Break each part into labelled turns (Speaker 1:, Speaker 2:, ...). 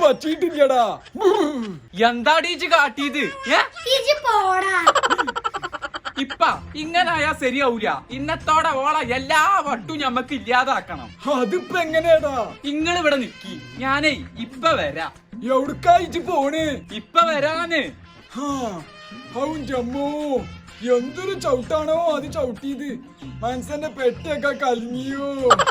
Speaker 1: പറ്റിയിട്ടില്ലടാ.
Speaker 2: എന്താടി ഇജ്ജ് കാട്ടിയത്? ഇപ്പ ഇങ്ങനായാ ശരിയാവൂല. ഇന്നത്തോടെ ഓള എല്ലാ വട്ടും ഞമ്മക്ക് ഇല്ലാതാക്കണം.
Speaker 1: അതിപ്പോ എങ്ങനെയാടാ?
Speaker 2: ഇങ്ങള് ഇവിടെ നിക്കി, ഞാനേ ഇപ്പ വരാ.
Speaker 1: എവിടക്കായിട്ട് പോണ്?
Speaker 2: ഇപ്പ വരാന്.
Speaker 1: ജമ്മോ, എന്തൊരു ചവിട്ടാണോ അത് ചവിട്ടിയത്. മനസ്സന്റെ പെട്ടൊക്കെ കലങ്ങിയോ.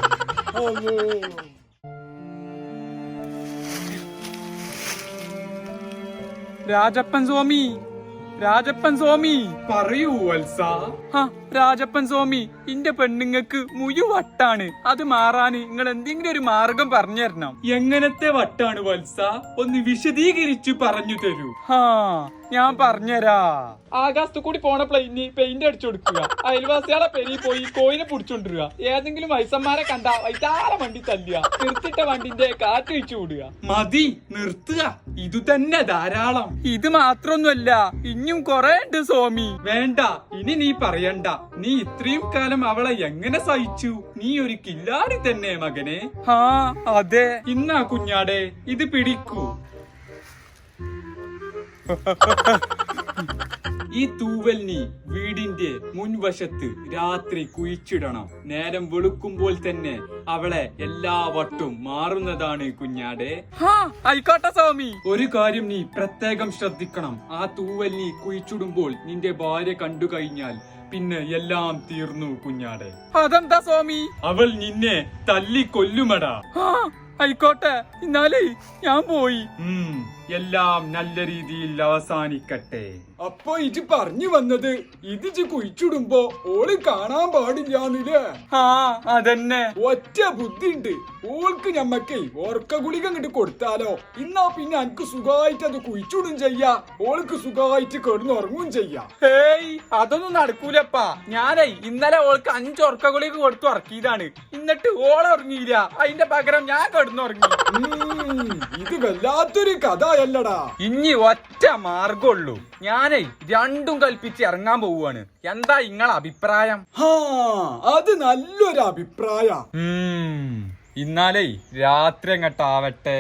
Speaker 2: രാജപ്പൻ സ്വാമി, രാജപ്പൻ സ്വാമി.
Speaker 1: പറയൂ വത്സ.
Speaker 2: രാജപ്പൻ സ്വാമി, ഇന്റെ പെണ്ണുങ്ങക്ക് വട്ടാണ്. അത് മാറാന് നിങ്ങൾ എന്തെങ്കിലും ഒരു മാർഗം പറഞ്ഞു തരണം.
Speaker 1: എങ്ങനത്തെ വട്ടാണ് വത്സ? ഒന്ന് വിശദീകരിച്ചു പറഞ്ഞു തരൂ.
Speaker 2: ഞാൻ പറഞ്ഞുതരാ. ആകാശത്ത് കൂടി പോണ പ്ലെയിന് പെയിന്റ് അടിച്ചു കൊടുക്കുക, അയൽവാസികളെ പെരി പോയി കോയിനെ പിടിച്ചോണ്ടിരുക, ഏതെങ്കിലും വയസ്സന്മാരെ കണ്ട വൈതാല വണ്ടി തല്ലുക, നിർത്തിട്ട വണ്ടിന്റെ കാറ്റ് വെച്ചു വിടുക.
Speaker 1: മതി, നിർത്തുക. ഇതു തന്നെ ധാരാളം.
Speaker 2: ഇത് മാത്രൊന്നുമല്ല, ഇനിയും കൊറേ ഉണ്ട് സ്വാമി.
Speaker 1: വേണ്ട, ഇനി നീ പറയണ്ട. നീ ഇത്രയും കാലം അവളെ എങ്ങനെ സഹിച്ചു? നീ ഒരു കില്ലാടി തന്നെ മകനെ.
Speaker 2: അതെ.
Speaker 1: ഇന്നാ കുഞ്ഞാടെ, ഇത് പിടിക്കൂ. ഈ തൂവൽ നീ വീടിന്റെ മുൻവശത്ത് രാത്രി കുഴിച്ചിടണം. നേരം വെളുക്കുമ്പോൾ തന്നെ അവളെ എല്ലാ വട്ടും മാറുന്നതാണ് കുഞ്ഞാടെ.
Speaker 2: ആയിക്കോട്ടെ സ്വാമി.
Speaker 1: ഒരു കാര്യം നീ പ്രത്യേകം ശ്രദ്ധിക്കണം. ആ തൂവൽ നീ കുഴിച്ചിടുമ്പോൾ നിന്റെ ഭാര്യ കണ്ടു കഴിഞ്ഞാൽ പിന്നെ എല്ലാം തീർന്നു കുഞ്ഞാടെ.
Speaker 2: അതെന്താ സ്വാമി?
Speaker 1: അവൾ നിന്നെ തല്ലിക്കൊല്ലുമടാ.
Speaker 2: ആയിക്കോട്ടെ, എന്നാലേ ഞാൻ പോയി.
Speaker 1: എല്ലാം നല്ല രീതിയിൽ അവസാനിക്കട്ടെ.
Speaker 3: അപ്പൊ ഇജ് പറഞ്ഞു വന്നത് ഇത് കുഴിച്ചിടുമ്പോ ഓള് കാണാൻ പാടില്ലാന്നില്ലേ?
Speaker 2: അതന്നെ.
Speaker 3: ഒറ്റ ബുദ്ധിണ്ട്. ഓൾക്ക് ഞമ്മക്കേ ഓർക്ക ഗുളിക അങ്ങോട്ട് കൊടുത്താലോ? ഇന്നാ പിന്നെ എനിക്ക് സുഖമായിട്ട് അത് കുഴിച്ചിടും ചെയ്യാ, ഓൾക്ക് സുഖമായിട്ട് കിടന്നുറങ്ങും ചെയ്യാ.
Speaker 2: അതൊന്നും നടക്കൂലപ്പാ. ഞാനേ ഇന്നലെ ഓൾക്ക് 5 ഉറക്ക ഗുളിക കൊടുത്തു ഉറക്കിയതാണ്. എന്നിട്ട് ഓള ഉറങ്ങിയില്ല, അതിന്റെ പകരം ഞാൻ കിടന്നുറങ്ങി.
Speaker 3: ഇത് വല്ലാത്തൊരു കഥയല്ലടാ.
Speaker 2: ഇനി ഒറ്റ മാർഗമുള്ളൂ. ഞാനേ രണ്ടും കൽപ്പിച്ച് ഇറങ്ങാൻ പോവുകയാണ്. എന്താ ഇങ്ങളെ അഭിപ്രായം?
Speaker 3: അത് നല്ലൊരു അഭിപ്രായ.
Speaker 2: ഇന്നാലേ രാത്രി അങ്ങട്ടാവട്ടെ.